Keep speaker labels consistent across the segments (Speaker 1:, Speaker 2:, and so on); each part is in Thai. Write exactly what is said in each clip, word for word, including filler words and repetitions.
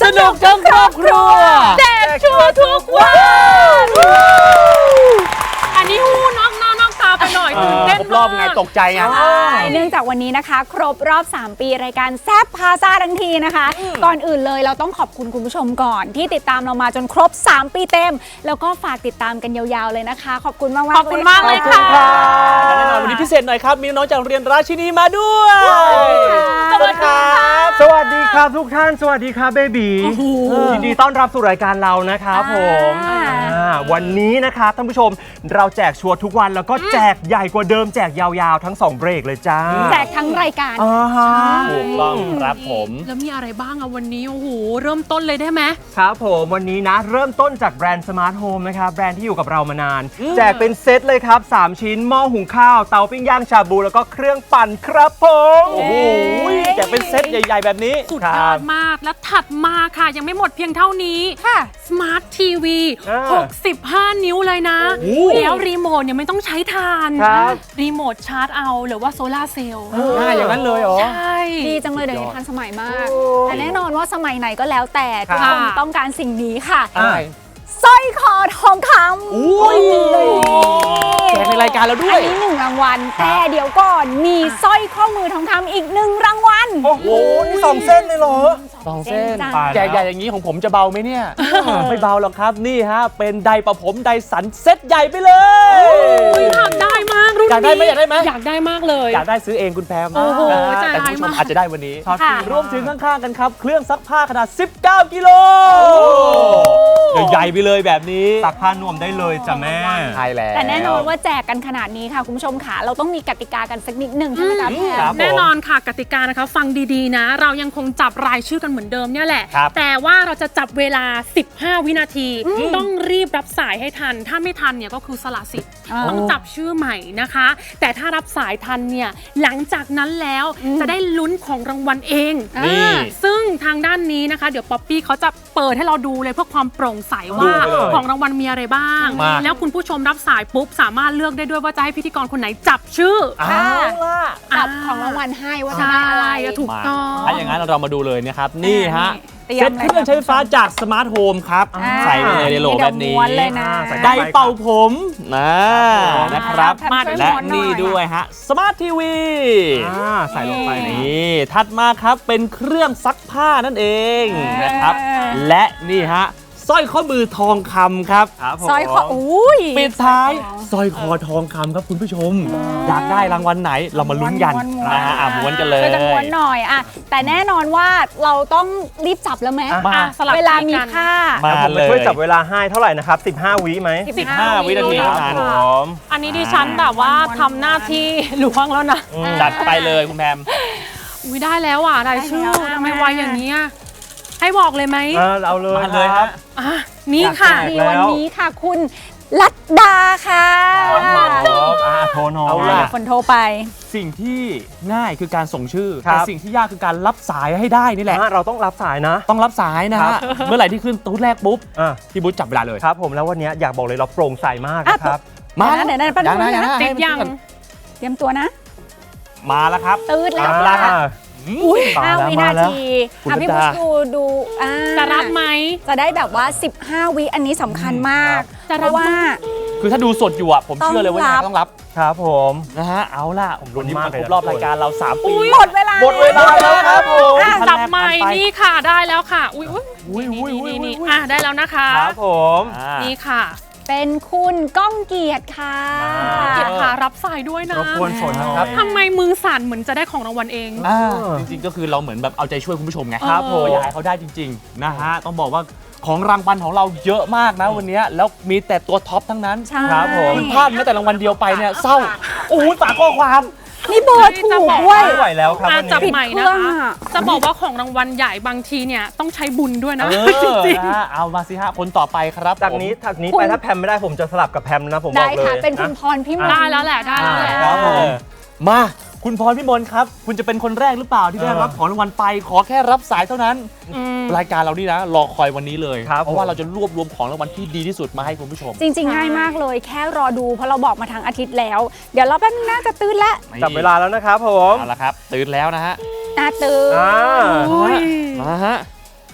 Speaker 1: นุกทั้งครอบครัวแจกชัวร์ทุกวันอันนี้หูนอกหน้านอกตาไปหน่อยตื่นเต้น
Speaker 2: ครบรอบไงตกใจไง
Speaker 3: เนื่องจากวันนี้นะคะครบรอบสามปีรายการแซ่บพาซ่าทั้งทีนะคะก่อนอื่นเลยเราต้องขอบคุณคุณผู้ชมก่อนที่ติดตามเรามาจนครบสามปีเต็มแล้วก็ฝากติดตามกันยาวๆเลยนะคะขอบคุณมากๆ
Speaker 1: ขอบคุณมากเลยค่ะ
Speaker 2: และแน่นอนวันนี้พิเศษหน่อยครับมีน้องๆจากเรียนราชินีมาด้วยสวัสดีครับ
Speaker 4: สวัสดีครับทุกท่านสวัสดีครับเบบียินดีต้อนรับสู่รายการเรานะครับผมวันนี้นะครับท่านผู้ชมเราแจกชัวร์ทุกวันแล้วก็แจกใหญ่กว่าเดิมแจกยาวๆทั้งสองเบรกเลยจ้า
Speaker 3: แจกทั้งรายการ
Speaker 2: ถูกต้องครับผม
Speaker 1: แล้วมีอะไรบ้างอะวันนี้โอ้โหเริ่มต้นเลยได้ไหม
Speaker 4: ครับผมวันนี้นะเริ่มต้นจากแบรนด์สมาร์ทโฮมนะครับแบรนด์ที่อยู่กับเรามานานแจกเป็นเซตเลยครับสามชิ้นหม้อหุงข้าวเตาปิ้งย่างชาบูแล้วก็เครื่องปั่นครับผม
Speaker 2: โอ้โหแจกเป็นเซตใหญ่ๆแบบนี้
Speaker 1: สุดยอดมากและถัดมาค่ะยังไม่หมดเพียงเท่านี้ค่ะ Smart ที วี หกสิบห้า นิ้วเลยนะแล้วรีโมทเนี่ยไม่ต้องใช้ถ่านรีโมทชาร์จเอาหรือว่าโซลาร์เซลล์
Speaker 2: ง่ายอย่างนั้นเลยเหรอ
Speaker 1: ใช่
Speaker 3: ดีจังเลยเดี๋ยวนี้ทันสมัยมากแต่แน่นอนว่าสมัยไหนก็แล้วแต่ทุกคนต้องการสิ่งนี้ค่ะสร้อยคอทองคำ
Speaker 2: อุ้ยแจกในรายการเราด้วย
Speaker 3: อันนี้หนึ่งรางวัลแต่เดี๋ยวก่อนมีสร้อยข้อมือทองคำอีกหนึ่งรางวัล
Speaker 4: โอ้โหนี่สองเส้นเลยเหรอ
Speaker 2: สองเส้นแจกใหญ่อย่างนี้ของผมจะเบาไหมเนี่ยไม่เบาหรอกครับนี่ฮะเป็นไดประผมไดสันเซ็ตใหญ่ไปเลย
Speaker 1: อยากได้มากรุ่นนี้
Speaker 2: อยากได้ไหมอยากได้ไหม
Speaker 1: อยากได้มากเลย
Speaker 2: อยากได้ซื้อเองคุณแพม
Speaker 1: โอ้โห
Speaker 2: แต่คุณผู้ชมอาจจะได้วันนี้รวมถึงข้างๆกันครับเครื่องซักผ้าขนาดสิบเก้ากิโลใหญ่ไปเลยแบบนี้
Speaker 4: ซักผ้านวมได้เลยจ้ะแม่
Speaker 2: ใช่แล้ว
Speaker 3: แต่แน่นอนว่าแจกกันขนาดนี้ค่ะคุณผู้ชมค่ะเราต้องมีกติกากันสักนิดหนึ่งใช่ไหมคะพี่แพม
Speaker 1: แน่นอนค่ะกติกานะคะฟังดีๆนะเรายังคงจับรายชื่อกันเหมือนเดิมเนี่ยแหละแต่ว่าเราจะจับเวลาสิบห้าวินาทีต้องรีบรับสายให้ทันถ้าไม่ทันเนี่ยก็คือสละสิทธิ์ต้องจับชื่อใหม่นะคะแต่ถ้ารับสายทันเนี่ยหลังจากนั้นแล้วจะได้ลุ้นของรางวัลเองซึ่งทางด้านนี้นะคะเดี๋ยวป๊อปปี้เขาจะเปิดให้เราดูเลยเพื่อความโปร่งใสว่าของรางวัลมีอะไรบ้างแล้วคุณผู้ชมรับสายปุ๊บสามารถเลือกได้ด้วยว่าจะให้พิธีกรคนไหนจับชื่อ
Speaker 3: จับของรางวัลให้ว่าจะได้อะไร
Speaker 1: ถูกต้อง
Speaker 2: ถ้าอย่างนั้นเรามาดูเลยนะครับนี่ฮะเซ็ตเครื่องใช้ไฟฟ้าจากสมาร์ทโฮมครับใส่ไปเลยในโหลแบบนี้ได้เป่าผมนะนะครับและนี่ด้วยฮะสมาร์ททีวีใส่ลงไปนี่ถัดมาครับเป็นเครื่องซักผ้านั่นเองนะครับและนี่ฮะสร้อยข้อมือทองคำครับ
Speaker 3: สร้อยคออุ้ย
Speaker 2: ปิดท้ายสร้อยคอทองคำครับคุณผู้ชมอยากได้รางวัลไหนเรามาลุ้นกันนะฮะม้วนกันเลย
Speaker 3: จะม้วนหน่อยอ่ะแต่แน่นอนว่าเราต้องรีบจับแล้วไหมเวลามีค่า
Speaker 4: มาเลยช่วยจับเวลาให้เท่าไหร่นะครับสิบห้าวิไหม
Speaker 2: สิบห้าวินาทีครับ
Speaker 1: ผมอันนี้ดิฉันแบบว่าทำหน้าที่ล้วงแล้วนะ
Speaker 2: จัดไปเลยคุณแพม
Speaker 1: อุ้ยได้แล้วอ่ะรายชื่อทำไมไวอย่างนี้ให้บอกเลยไหม
Speaker 4: เอาเลย
Speaker 2: มาเลยครับ
Speaker 1: นี่ค่ะ
Speaker 3: วันนี้ค่ะคุณลัดดาค่ะ
Speaker 4: โทรน้อง
Speaker 3: คนโทรไป
Speaker 2: สิ่งที่ง่ายคือการส่งชื่อแต่สิ่งที่ยากคือการรับสายให้ได้นี่แหละ
Speaker 4: เราต้องรับสายนะ
Speaker 2: ต้องรับสายนะฮะเมื่อไหร่ที่ขึ้นตู้แรกปุ๊บพี่บุ๊คจับเวลาเลย
Speaker 4: ครับผมแล้ววันนี้อยากบอกเลยเราโปร่งใสมากนะครับ
Speaker 3: มาเดี๋ยวนั่นปั้นมือ
Speaker 1: นะเตรียมยัง
Speaker 3: เตรียมตัวนะ
Speaker 2: มาแล้วครับ
Speaker 3: ตืดแล้วอุ้ยห้าวินาทีพี่บุ๊คดูดู
Speaker 1: จะรับไหม
Speaker 3: จะได้แบบว่าสิบห้าวิอันนี้สำคัญมาก
Speaker 1: จะรับว่า
Speaker 2: คือถ้าดูสดอยู่อ่ะผมเชื่อเลยว่าต้องรับ
Speaker 4: ครับผม
Speaker 2: นะฮะเอาล่ะผมลุ้นมากเลยรอบรายการเราสามปี
Speaker 3: หมดเวลา
Speaker 4: หมดเวลาแล้วครับผม
Speaker 1: จับใหม่นี่ค่ะได้แล้วค่ะอุ้ยอุ้ยอุ้ยนี่นี่อ่ะได้แล้วนะคะ
Speaker 4: ครับผม
Speaker 1: นี่ค่ะ
Speaker 3: เป็นคุณก้องเกียรติค่ะ
Speaker 1: เกียรติค่ะรับสายด้วยนะ
Speaker 4: รบกวนสนนะครับ
Speaker 1: ทำไมมือสั่นเหมือนจะได้ของรางวัลเอง
Speaker 2: จริงๆก็คือเราเหมือนแบบเอาใจช่วยคุณผู้ชมไงครับผมอยากให้เขาได้จริงๆนะฮะต้องบอกว่าของรางวัลของเราเยอะมากนะวันนี้แล้วมีแต่ตัวท็อปทั้งนั้นครับผมพลาดแม้แต่รางวัลเดียวไปเนี่ยเศร้าโอ้ยฝากข้อความ
Speaker 3: นี่เบอร์ถูกด้วย
Speaker 4: ไม่ไหวแล้วครับวันนี้
Speaker 1: จับใหม่นะคะจะบอกว่าของรางวัลใหญ่บางทีเนี่ยต้องใช้บุญด้วยนะจริง
Speaker 2: ๆเอามาสิฮะคนต่อไปครับ
Speaker 4: จากนี้จากนี้ไปถ้าแพมไม่ได้ผมจะสลับกับแพมนะผมบอกเลย
Speaker 3: ได้ค่ะเป็นคุณพรพิมล
Speaker 1: ได้แล้วแหละได้แล้วแหละ
Speaker 2: มาคุณพรพิมลครับคุณจะเป็นคนแรกหรือเปล่าที่ได้รับของรางวัลไปขอแค่รับสายเท่านั้นรายการเรานี่นะรอคอยวันนี้เลยเพราะว่าเราจะรวบรวมของรางวัลที่ดีที่สุดมาให้คุณผู้ชม
Speaker 3: จริงๆง่ายมากเลยแค่รอดูเพราะเราบอกมาทางอาทิตย์แล้วเดี๋ยวเราแป๊บนึงน่าจะตื่นละ
Speaker 4: จับเวลาแล้วนะครับผม
Speaker 2: เอาละครับตื่นแล้วนะฮะ
Speaker 3: น่าตื่น
Speaker 2: มาฮะ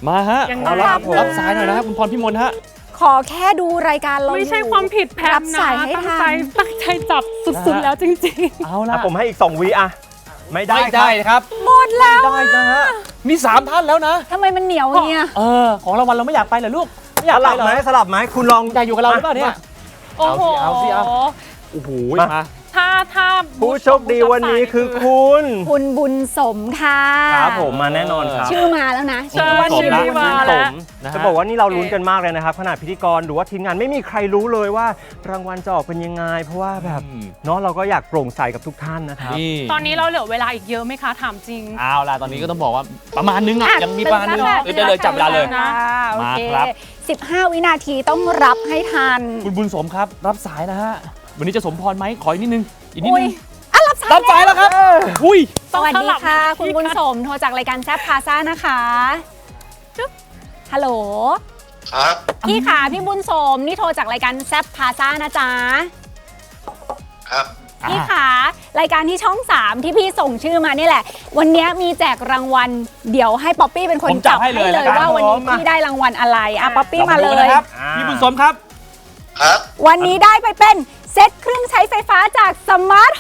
Speaker 2: มาฮะ
Speaker 1: ยังไง
Speaker 2: เอาละครับ
Speaker 3: ครับ
Speaker 2: รับสายหน่อยนะครับคุณพรพิมลฮะ
Speaker 3: ขอแค่ดูรายการเรา
Speaker 1: ไม่ใช่
Speaker 3: อยู่
Speaker 1: ความผิดแพ
Speaker 3: รั
Speaker 1: ม
Speaker 3: บ
Speaker 1: นะ
Speaker 3: สายให้
Speaker 1: ตั้ง
Speaker 3: ทั
Speaker 1: ใจ
Speaker 3: น
Speaker 1: ตั้งใจจับสุดๆแล้วจริง
Speaker 2: เอาละ
Speaker 4: อ่ะผมให้อีก สอง วิอ่ะ ไม่ได้
Speaker 2: ไม่ได้ครับ
Speaker 3: หมดแล้ว
Speaker 2: ได้นะฮะมีสามท่านแล้วนะ
Speaker 3: ทำไมมันเหนียวอย่างเงี้ย
Speaker 2: เออของรางวัลเราไม่อยากไปเหรอลูกไม่อ
Speaker 4: ส
Speaker 2: ยากไป
Speaker 4: ลับ
Speaker 2: เหรอ
Speaker 4: ไหมสลับไหมคุณลอง
Speaker 2: อยากอยู่กับเราหรือเปล่าเนี่ย
Speaker 1: ๆ โอ้โห
Speaker 2: เอาสิเอาสิ โอ้โห
Speaker 4: มา
Speaker 2: มา
Speaker 1: ถ้าถ้า
Speaker 4: ผู้โชคดีวันนี้คือคุณ
Speaker 3: คุณบุญสมค่ะ
Speaker 4: ครับผมมาแน่นอนครับ
Speaker 3: ชื่อมาแล้วนะ
Speaker 1: เชิญ
Speaker 2: สม
Speaker 1: ชื่อ
Speaker 2: นะ
Speaker 1: มา
Speaker 4: ส
Speaker 1: แล้ว
Speaker 4: ม
Speaker 2: นะฮะ
Speaker 4: จะบอกว่านี่เราลุ้นกันมากเลยนะครับขนาดพิธีกรหรือว่าทีมงานไม่มีใครรู้เลยว่ารางวัลจะออกเป็นยังไง เพราะว่าแบบ
Speaker 2: อืม
Speaker 4: เนาะเราก็อยากโปร่งใสกับทุกท่านนะครับ
Speaker 2: นี่
Speaker 1: ตอนนี้เราเหลือเวลาอีกเยอะไหมคะถามจริง
Speaker 2: เอาล่ะตอนนี้ก็ต้องบอกว่าประมาณนึงอ่ะ
Speaker 3: อ่ะ
Speaker 2: ยังมีประมาณนึง
Speaker 3: ตื่
Speaker 2: เดี๋ยวเลยจับเวลาเลย
Speaker 3: นะโอเค
Speaker 2: มาครับ
Speaker 3: สิบห้าวินาทีต้องรับให้ทัน
Speaker 2: คุณบุญสมครับ รับสายนะฮะวันนี้จะสมพรไหมขออีกนิดนึงอีกนิด
Speaker 3: อุ้
Speaker 2: นึ
Speaker 3: ย
Speaker 2: ง
Speaker 3: อ่ะรับสาย
Speaker 2: รับสายแล้วครับอุ้ย
Speaker 3: สวัสดีค่ะ
Speaker 1: ต้องสลับ
Speaker 3: คุณบุญสมโทรจากรายการแซฟพาซ่านะคะจุ๊บฮัลโหล
Speaker 5: ครับ
Speaker 3: พี่ขาพี่บุญสมนี่โทรจากรายการแซฟพาซ่านะจ๊ะ
Speaker 5: ครับ
Speaker 3: พี่ขารายการที่ช่องสามที่พี่ส่งชื่อมานี่แหละ วันนี้มีแจกรางวัลเดี๋ยวให้ป๊อปปี้เป็นคน
Speaker 2: ผมจั
Speaker 3: จั
Speaker 2: บบ ให้
Speaker 3: ให้
Speaker 2: เลย
Speaker 3: เล
Speaker 2: แล้
Speaker 3: ยว
Speaker 2: กัน
Speaker 3: ว่าวันนี้
Speaker 4: ผมมา
Speaker 3: พี่ได้รางวัลอะไรอ่ะป๊อปปี้มาเล
Speaker 2: ร
Speaker 3: ย
Speaker 2: นะครับ
Speaker 4: อ่า
Speaker 2: พี่บุญสมครับ
Speaker 5: ครับ
Speaker 3: วันนี้ได้ไปเป็นเซตเครื่องใช้ไฟฟ้าจากสมาร์ทโฮ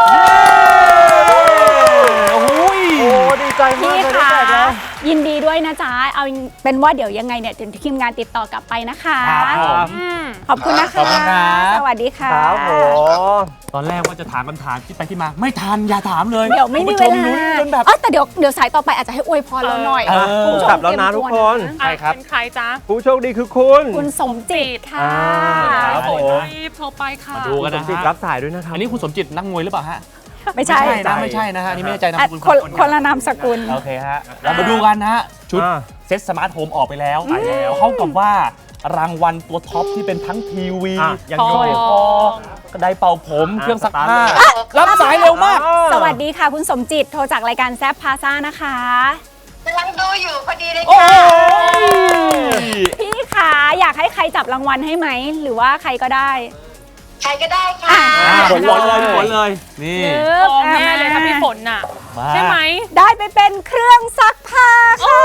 Speaker 3: ม
Speaker 2: โอ้ย
Speaker 4: โอ้ดีใจมาก
Speaker 3: พี่
Speaker 4: เลยได้
Speaker 3: ขา
Speaker 4: แจกแล้ว
Speaker 3: ยินดีด้วยนะจ๊ะเอาเป็นว่าเดี๋ยวยังไงเนี่ยเดี๋ยวทีมงานติดต่อกลับไปนะคะ
Speaker 2: ครับผม
Speaker 1: อืม
Speaker 3: ขอบคุณนะคะ
Speaker 2: ขอบคุณครับ
Speaker 3: สวัสดีค่ะ
Speaker 4: ครับผม
Speaker 2: ตอนแรกว่าจะถามคำถามคิดไปที่มา ไม่ทันอย่าถามเลย
Speaker 3: เดี๋ยวไม่มี
Speaker 2: คุณ
Speaker 3: เว
Speaker 2: ผู้ช
Speaker 3: ลา
Speaker 2: ลุ้นจนแบบ
Speaker 3: เออแต่เดี๋ยวเดี๋ยวสายต่อไปอาจจะให้อวยพรเราหน่อย
Speaker 2: เออ
Speaker 3: คุณผู้ชม
Speaker 4: กลับแล้วนะ
Speaker 3: เตรียม
Speaker 4: ทุกคน
Speaker 3: ตัว
Speaker 2: ใช่ครับ
Speaker 1: เป็นใครจ๊ะ
Speaker 4: ผู้โชคดีคือคุณ
Speaker 3: คุณสมจิตค่ะ
Speaker 4: อ่าครับผม
Speaker 1: รีบโทรไปค่ะ
Speaker 2: มาดูกัน
Speaker 4: ส
Speaker 2: นะ
Speaker 4: มจิต
Speaker 2: ฮะ
Speaker 4: รับสายด้วยนะครับ
Speaker 2: อันนี้คุณสมจิตนักมวยหรือเปล่าฮะ
Speaker 3: ไม่ใช่
Speaker 2: นะไม่ใช่นะฮะอันนี่ไม่แน่ใจนะ
Speaker 3: อ่ะ
Speaker 2: คุณ
Speaker 3: คนคนละนามสกุล
Speaker 2: โอเคฮะเรามาดูกันนะฮะชุด
Speaker 4: อ่า
Speaker 2: เซ็ตสมาร์ทโฮมออกไปแล้วไปแล้วเท่ากับว่ารางวัลตัวท็อปที่เป็นทั้งทีวี
Speaker 4: อ่ะยัง
Speaker 1: ท
Speaker 4: อ
Speaker 1: อยู่ ง
Speaker 2: คอกระไดเป่าผม
Speaker 4: อ่ะ
Speaker 2: เครื่องซัก
Speaker 4: สตาร์ท
Speaker 2: ผ้า
Speaker 4: เลย
Speaker 2: รับสายเร็วมาก
Speaker 3: สวัสดีค่ะคุณสมจิตโทรจากรายการแซฟพาซ่านะคะ
Speaker 5: กำลังดูอยู่พอดีเลย
Speaker 2: โอ้
Speaker 5: ค่ะ
Speaker 2: ย
Speaker 3: พี่ขาอยากให้ใครจับรางวัลให้ไหม หรือว่าใครก็ได้
Speaker 5: ใครก็ได้ค่ะ
Speaker 3: อ่ะ
Speaker 2: อ่าฝนเลยฝนเลย นี่
Speaker 1: ทองแน่เลยถ้าพี่ฝนน่ะ
Speaker 2: มา
Speaker 1: ใช่ไหม
Speaker 3: ได้ไปเป็นเครื่องซักผ้าค่ะ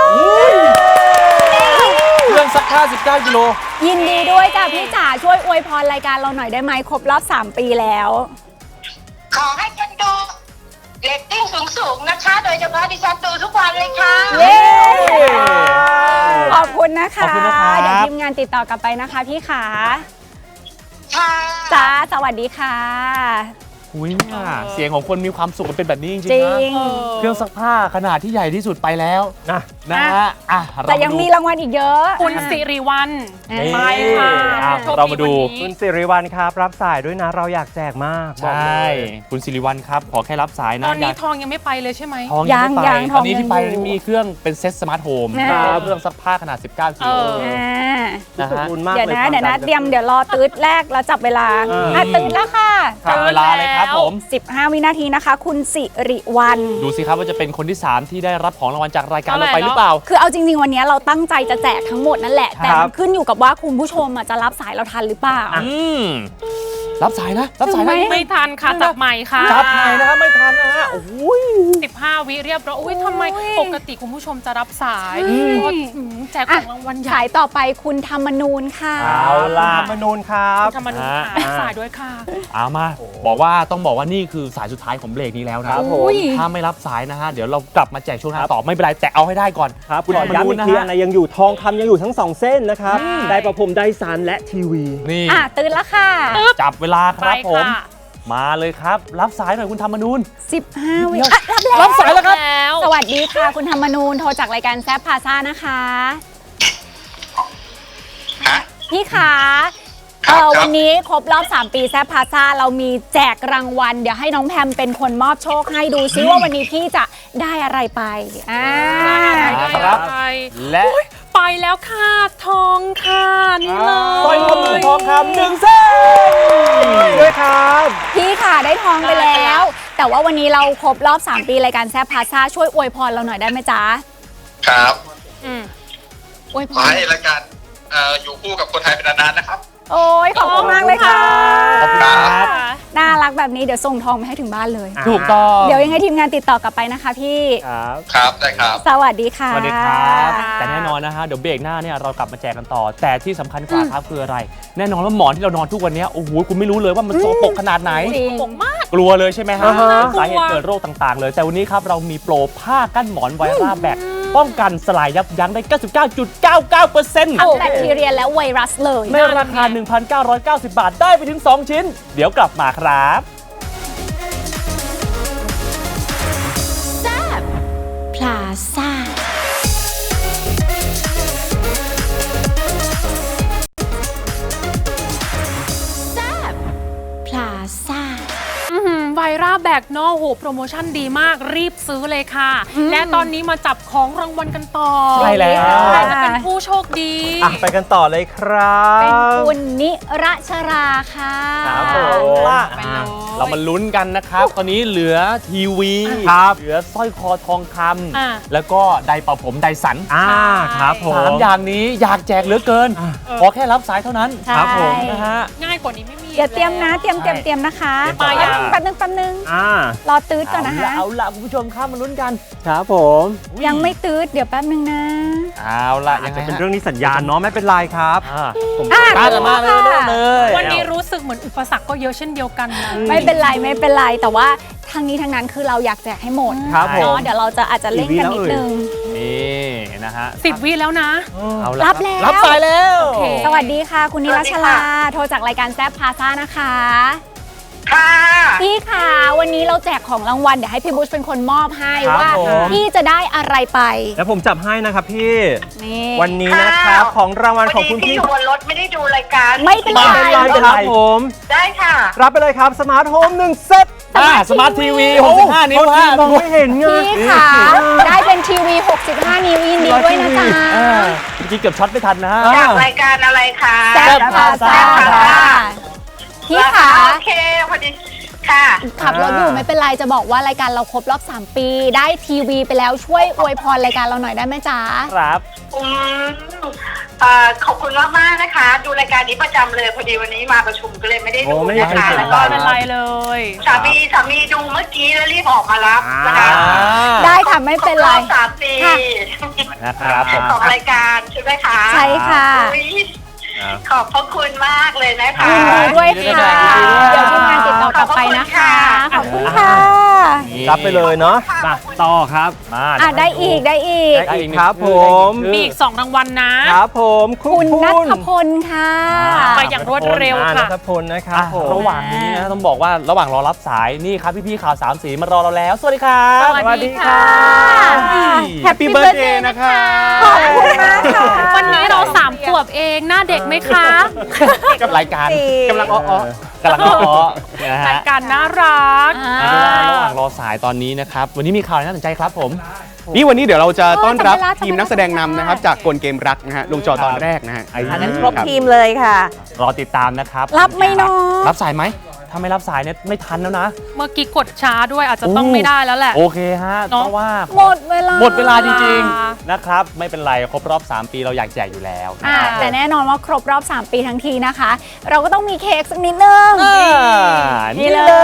Speaker 2: เครื่องซักผ้าสิบเก้ากิโล
Speaker 3: ยินดีด้วยจ้ะพี่จ๋าช่วยอวยพรรายการเราหน่อยได้ไหมครบรอบสามปีแล้ว
Speaker 5: ขอให้คนดูเรตติ้งสูงๆนะคะ โดยเฉพาะดิฉันดูทุกวันเลยค่ะ
Speaker 3: เย้ ขอบคุณนะคะ
Speaker 2: ขอบคุณนะครับ
Speaker 3: เดี๋ยวทีมงานติดต่อกลับไปนะคะพี่ขา
Speaker 5: ค่ะ
Speaker 3: จ้าสวัสดีค่ะ
Speaker 2: อุ้ยเนี่ยเสียงของคนมีความสุขมันเป็นแบบนี้จริง
Speaker 3: จ
Speaker 2: ๆ
Speaker 3: ริ
Speaker 2: นะ
Speaker 3: ง
Speaker 2: เครื่องซักผ้าขนาดที่ใหญ่ที่สุดไปแล้ว
Speaker 4: นะ
Speaker 2: นะฮะอ่ะเรา
Speaker 3: แต่ยังมี
Speaker 2: าดู
Speaker 3: รางวัลอีกเยอะ
Speaker 1: คุณสิริวัล
Speaker 3: นี่
Speaker 1: ไปค่ะ
Speaker 2: อ่ะ
Speaker 1: โชค
Speaker 2: เรามาดู
Speaker 1: วัน
Speaker 4: คุ
Speaker 1: นี้
Speaker 4: ณสิริวัลครับ รับสายด้วยนะ เราอยากแจกมากบอก
Speaker 2: ใช
Speaker 4: เล่ ย
Speaker 2: คุณสิริวัลครับ ขอแค่รับสาย
Speaker 1: ต
Speaker 2: นะ
Speaker 1: อนนี้
Speaker 2: อยาก
Speaker 1: ทองยังไม่ไปเลยใช่ไหม
Speaker 2: ทองยังไม่ไป
Speaker 3: ยังยัง
Speaker 2: ตอนนี้ที่ไป
Speaker 3: ทองยังอยู่
Speaker 2: มีเครื่องเป็นเซ็ตสมาร์ทโฮม
Speaker 3: นะ
Speaker 2: เครื่องซักผ้าขนาด สิบเก้ากิโล
Speaker 1: เออ
Speaker 3: อ่า
Speaker 2: นะ
Speaker 4: ขอบ
Speaker 2: ฮะ
Speaker 4: คุณมาก
Speaker 3: เดี๋ยว
Speaker 4: เลย
Speaker 3: นะเดี๋ยวนะเตรียมเดี๋ยวรอตืดแรกแล้วจับเวลา
Speaker 4: เอออ่
Speaker 3: อ่ะตืดแล้วค่ะ
Speaker 2: จับเวลาเลยครับผม
Speaker 3: สิบห้า วินาทีนะคะ คุณสิริวัล
Speaker 2: ดูสิครับว่าจะเป็นคนที่ สาม ที่ได้รับของรางวัลจากรายการ
Speaker 1: เท่าไหร่
Speaker 2: เราไปหรือเปล่า
Speaker 3: คือเอาจริง ๆ วันนี้เราตั้งใจจะแจกทั้งหมดนั่นแหละ แต่
Speaker 4: ครั
Speaker 3: มั
Speaker 4: บ
Speaker 3: นขึ้นอยู่กับว่าคุณผู้ชมอ่ะจะรับสายเราทันหรือเปล่า
Speaker 2: อืมรับสายนะ รับสาย
Speaker 3: ถึงไหม
Speaker 2: นะ
Speaker 1: ไม่ทันค่ะจับใหม่ค่ะ
Speaker 2: จับใหม่นะครับไม่ทันนะฮะโอ้โห
Speaker 1: สิบห้าวิเรียบร้อยอุ้ยทำไม
Speaker 3: โอ้ย
Speaker 1: ปกติคุณผู้ชมจะรับสาย
Speaker 3: ใช่
Speaker 1: เพราะว่าอืมแจกของรางวัลใหญ่
Speaker 3: สายต่อไปคุณธรรมนูนค่ะ
Speaker 4: เอาล่ะมนูนครับ
Speaker 1: ธรรมนุษย์ค่ะรับสายด้วยค่ะ
Speaker 2: เอามา บอกว่าต้องบอกว่านี่คือสายสุดท้ายของเบรกนี้แล้วนะครับ
Speaker 4: ผม
Speaker 3: อุ้ย
Speaker 2: ถ้าไม่รับสายนะฮะเดี๋ยวเรากลับมาแจกช่วงหน้าต่อไม่เป็นไรแต่เอาให้ได้ก่อน
Speaker 4: ครับ
Speaker 2: คุณ
Speaker 4: ขอย้ำอีกที
Speaker 2: นะ
Speaker 4: อัน
Speaker 2: ฮะ
Speaker 4: ไหนยังอยู่ทองคำยังอยู่ทั้งสองเส้นนะครับ ได้ประพรมได้สารและทีวี
Speaker 2: นี่
Speaker 3: อ่ะตื่นแล้วค่ะ
Speaker 2: จับเวลาค
Speaker 1: ไป
Speaker 2: รับผม
Speaker 1: ค่ะ
Speaker 2: มาเลยครับ รับสายหน่อยคุณธรรมนูน
Speaker 3: สิบห้า วิ
Speaker 2: เดี๋ยว
Speaker 3: อ่ะรับแล้ว
Speaker 2: รับสายแล้วครับ
Speaker 1: แล้ว
Speaker 3: สวัสดีค่ะ คุณธรรมนูนโทรจากรายการแซฟพาซ่านะคะ
Speaker 5: ฮะ
Speaker 3: พี่ขา
Speaker 5: ครั
Speaker 3: เอบ อ
Speaker 5: ครับ
Speaker 3: วันนี้ครบรอบ สาม ปีแซฟพาซ่าเรามีแจกรางวัล เดี๋ยวให้น้องแพมเป็นคนมอบโชคให้ดูซิว่าวันนี้พี่จะได้อะไรไปอ่า
Speaker 2: ครับ
Speaker 1: ไป
Speaker 2: และ
Speaker 1: ไปแล้วค่ะ ทองค่ะนี่เลย
Speaker 2: สร้อยข้อมือทองคำหนึ่งเส้น
Speaker 4: ด้วยครับ
Speaker 3: พี่ค่ะได้ทองไปแล้ว แต่ว่าวันนี้เราครบรอบ สาม ปีรายการแซฟพาซ่าช่วยอวยพรเราหน่อยได้ไหมจ๊ะ
Speaker 5: ครับ
Speaker 1: อืม
Speaker 3: อวยพ
Speaker 5: ขอ
Speaker 3: ร
Speaker 5: ให้รายการเอ่ออยู่คู่กับคนไทยเป็นนานๆนะครับ
Speaker 3: โอ้ยขอบคุณมากเลยค่ะ
Speaker 2: ขอบคุณครับ
Speaker 3: น่ารักกแบบนี้เดี๋ยวส่งทองไปให้ถึงบ้านเลย
Speaker 2: ถูกต้อง
Speaker 3: เดี๋ยวยังไงทีมงานติดต่อกลับไปนะคะพี่
Speaker 2: ครับ
Speaker 6: ครับได้ครับ
Speaker 3: สวัสดีค่ะ
Speaker 2: สวัสดีครับแต่แน่นอนนะฮะเดี๋ยวเบรกหน้าเนี่ยเรากลับมาแจกกันต่อ แต่ที่สำคัญกว่าครับคืออะไร แน่นอนว่าหมอนที่เรานอนทุกวันนี้โอ้โหคุณไม่รู้เลยว่ามันโซปรกขนาดไหน
Speaker 3: จริง
Speaker 1: ผมมาก
Speaker 2: กลัวเลยใช่ไหมฮะ
Speaker 4: อ่าฮะ
Speaker 2: สาเหตุเกิดโรคต่างๆ เลย แต่วันนี้ครับเรามีโปรผ้ากั้นหมอนไวราแบคป้องกันสลายยับยั้งได้ เก้าสิบเก้าจุดเก้าเก้าเปอร์เซ็นต์
Speaker 3: ทั้งแบคทีเรียและไวรัสเลย
Speaker 2: ในราคา หนึ่งพันเก้าร้อยเก้าสิบบาทได้ไปถึง สอง ชิ้น เดี๋ยวกลับมาครับ
Speaker 3: พลาซ่าพลาซ่า
Speaker 1: ไวราแบกเนาะโหโปรโมชั่นดีมากรีบซื้อเลยค่ะ และตอนนี้มาจับของรางวัลกันต่อ
Speaker 2: ใช่แล้ว
Speaker 1: ใครจะเป็นผู้โชคดี
Speaker 4: อ่ะไปกันต่อเลยครับ
Speaker 3: เป็นคุณนิรัชราค่ะ
Speaker 2: ครับผม
Speaker 1: ไปเลย
Speaker 2: เรามาลุ้นกันนะครับ ตอนนี้เหลือทีวี
Speaker 4: ครับ
Speaker 2: เหลือสร้อยคอทองค
Speaker 1: อ่ะ
Speaker 2: ำแล้วก็ไดร์เป่าผมไดสัน
Speaker 4: อ่าครับผม
Speaker 2: สามอย่างนี้อยากแจกเหลือเกิน ขอแค่รับสายเท่านั้น
Speaker 3: ครับผม
Speaker 2: นะฮะ
Speaker 1: ง่ายกว่านี้ไม่มี
Speaker 3: เดี๋ยวเตรียมนะ เตรียมเตรียมเตรียมนะคะ
Speaker 2: เตรียมตัว
Speaker 3: แป๊บนึงแป๊บนึง
Speaker 4: อ่าร
Speaker 3: อตืดก่อนนะคะ
Speaker 2: เอาละคุณผู้ชมครับมาลุ้นกัน
Speaker 4: ครับผม
Speaker 3: ยังไม่ตืดเดี๋ยวแป๊บนึงนะ
Speaker 2: เอาละ
Speaker 4: อา
Speaker 2: ยั
Speaker 4: จ
Speaker 2: งไง
Speaker 4: จะเป็น
Speaker 2: ฮะ
Speaker 4: เรื่องนี้สัญญาณเนาะไม่เป็นไรครับ
Speaker 2: อ่าผม
Speaker 3: อ่ะ
Speaker 2: ตามกันมาเลยเริ่มเลย
Speaker 1: วันนี้รู้สึกเหมือนอุปสรรคก็เยอะเช่นเดียวกันนะ
Speaker 3: ไม่เป็นไรไม่เป็นไรแต่ว่าทางนี้ทางนั้นคือเราอยากแจกให้หมด
Speaker 4: ครับผม
Speaker 3: เนาะเดี๋ยวเราจะอาจจะเล่นกันนิดนึง
Speaker 2: นี่นะฮะ
Speaker 1: สิบวิแล้วนะ
Speaker 2: เอาละ
Speaker 3: รับแล้ว
Speaker 2: รับสายแล้ว
Speaker 1: โอเค
Speaker 3: สวัสดีค่ะ คุณนิรัช
Speaker 5: สวัสดี
Speaker 3: ลา
Speaker 5: ค่ะ
Speaker 3: โทรจากรายการแซฟพาซ่านะคะ
Speaker 5: ค่ะ
Speaker 3: พี่ค่ะวันนี้เราแจกของรางวัลเดี๋ยวให้พี่บุชเป็นคนมอบให้
Speaker 4: ครับ
Speaker 3: ว่า
Speaker 4: ผม
Speaker 3: พี่จะได้อะไรไป
Speaker 4: แล้วผมจับให้นะครับพี่
Speaker 3: นี่
Speaker 4: วันนี้นะครับของรางวัลของคุณ
Speaker 5: พี่
Speaker 4: พี่
Speaker 5: อยู่บนรถไม่ได้ดูรายการ
Speaker 3: ไม่เป็นไร
Speaker 4: ไม่เป็นไรครับผม
Speaker 5: ได้ค่ะ
Speaker 4: รับไปเลยครับสมาร์ทโฮมหนึ่งเซต
Speaker 2: อ่าสมาร์ททีวีหกสิบห้านิ้วฮะ
Speaker 4: มองไม่เห็นไง
Speaker 3: พี่ค่ะได้เป็นทีวี หกสิบห้า นิ้วยินดีด้วยนะจ๊ะ
Speaker 2: อ่าเมื่อกี้เกือบช็อตไม่ทันนะฮะ
Speaker 5: จากรายการอะไรคะ
Speaker 3: แซฟพาซ่า
Speaker 5: แซ่บพาซ่า
Speaker 3: พี่ค่ะ
Speaker 5: โอเคพอดีค่ะ
Speaker 3: ขับรถอยู่ไม่เป็นไรจะบอกว่ารายการเราครบรอบ สาม ปี ได้ทีวีไปแล้วช่วยอวยพรรายการเราหน่อยได้ไหมจ๊ะ
Speaker 2: ครับ
Speaker 5: อืมเอ่อขอบคุณมากมากๆนะคะ ดูรายการนี้ประจำเลยพอดีวันนี้มาประชุมก็เลยไม่ได้ดู
Speaker 4: โอ้ไม่
Speaker 5: นะคะ
Speaker 4: เป็นไร
Speaker 5: แล้วก็
Speaker 1: ไม่เป็นไรเลย
Speaker 5: สามีสามีดูเมื่อกี้แล้วรีบออกมารับนะคะ
Speaker 2: อ่า
Speaker 3: ได้ค่ะไม่เป็นไร
Speaker 5: คบอบสามปี
Speaker 3: ค่ะ
Speaker 2: นะครับผม
Speaker 5: ของรายการใช่ไหมคะ
Speaker 3: ใช่ค่ะ
Speaker 5: อุ๊ยขอบพระคุณมากเลยนะคะ
Speaker 3: ยินดีด้วย
Speaker 2: ยินดีด้
Speaker 3: ค่ะ
Speaker 2: วยครับ
Speaker 3: เดี๋ยวทีมงานติดต่อกลับไปนะคะ ขอบคุณค่ะ
Speaker 4: รับไปเลยเนาะมาต่อครับ
Speaker 2: มา
Speaker 3: อ่ะได้อีกได้อีก
Speaker 2: ได้อีกหนึ่ง
Speaker 4: ครับผม
Speaker 1: มีอีกสองรางวัลนะ
Speaker 4: ครับผมคุ
Speaker 3: คุณ ณนัทพลค่ะ
Speaker 1: ไปอย่างรวดเร็ว
Speaker 4: อ่า
Speaker 1: ค่ะ
Speaker 4: นัทพลนะครับ
Speaker 2: อ่ะ
Speaker 4: ผม
Speaker 2: ระหว่างนี้นะต้องบอกว่าระหว่างรอรับสายนี่ครับพี่ๆข่าวสามสีมารอเราแล้ว สวัสดีครับ
Speaker 1: สวัสดีค่ะ
Speaker 3: แฮปปี้เบิร์ดเดย์นะคะ ขอบคุณมากค่ะ
Speaker 1: วันนี้เราสามขวบเองหน้าเด็กไหมคะ
Speaker 2: กับรายการ
Speaker 4: กำลังอ้อๆ
Speaker 2: กำลังอ้อๆนะ
Speaker 1: รา
Speaker 2: ฮะ
Speaker 1: ยการน่ารัก
Speaker 2: อ่าระหว่างรอสายตอนนี้นะครับ วันนี้มีข่าวอะไรน่าสนใจครับผม
Speaker 7: นี่วันนี้เดี๋ยวเราจะต้อนรับ
Speaker 3: จำได้ละ
Speaker 7: ทีมนักแสดงนำนะครับ จากกลเกมรักนะฮะลงจอตอนแรกนะฮะ
Speaker 2: อันนั้น
Speaker 7: ครบทีม
Speaker 8: เลยค่ะ
Speaker 2: รอติดตามนะครับ
Speaker 3: รับไหม่น้อง
Speaker 2: รับสายไหม ถ้าไม่รับสายเนี่ยไม่ทันแล้วนะ
Speaker 1: เมื่อกี้กดช้าด้วยอาจจะต้องไม่ได้แล้วแหละ
Speaker 2: โอเคฮะ
Speaker 1: เนอะ
Speaker 2: เพราะว่า
Speaker 3: หมดเวลา
Speaker 2: หมดเวลาจริงๆนะครับ ไม่เป็นไรครบรอบ สาม ปีเราอยากแจกอยู่แล้ว
Speaker 3: อ่าแต่แน่นอนว่าครบรอบ สาม ปีทั้งทีนะคะ เราก็ต้องมีเค้กสักนิดนึง
Speaker 2: อ่า
Speaker 3: นี่
Speaker 2: นี่
Speaker 3: เล
Speaker 2: เลย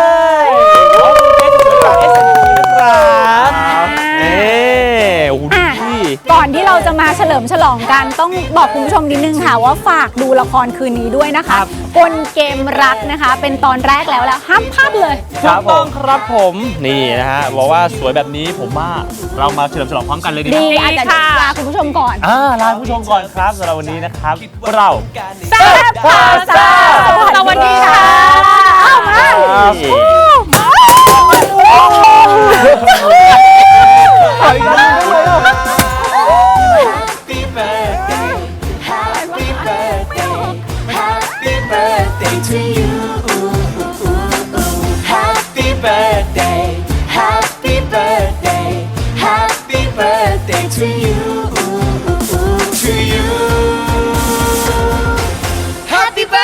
Speaker 2: ยขอบคุณเค้กสวยๆจาก เอส เอ็ม พี นะครับ
Speaker 3: อ่า
Speaker 2: เอ๊โอ้โห
Speaker 3: อ่ะ
Speaker 2: ดี
Speaker 3: ก่อนที่เราจะมาเฉลิมฉลองกันต้องบอกคุณผู้ชมนิดนึงค่ะว่าฝากดูละครคืนนี้ด้วยนะคะกลเกมรักนะคะ เป็นตอนแรกแล้วแล้วห้ามพลาดเลย
Speaker 2: ถูกต้องครับผมนี่นะฮะบอกว่าสวยแบบนี้ผมว่าเรามาเฉลิมฉลองพร้อมกันเลยดีไหม
Speaker 3: ดีอาจจะลาคุณผู้ชมก่อน
Speaker 2: อ่าลาผู้ชมก่อนครับสำหรับวันนี้นะครับเรา
Speaker 3: แซ่บพาซ่าสวัสดีค่ะเอามา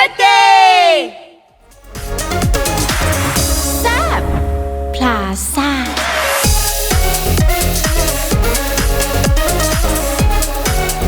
Speaker 3: พลาซ่า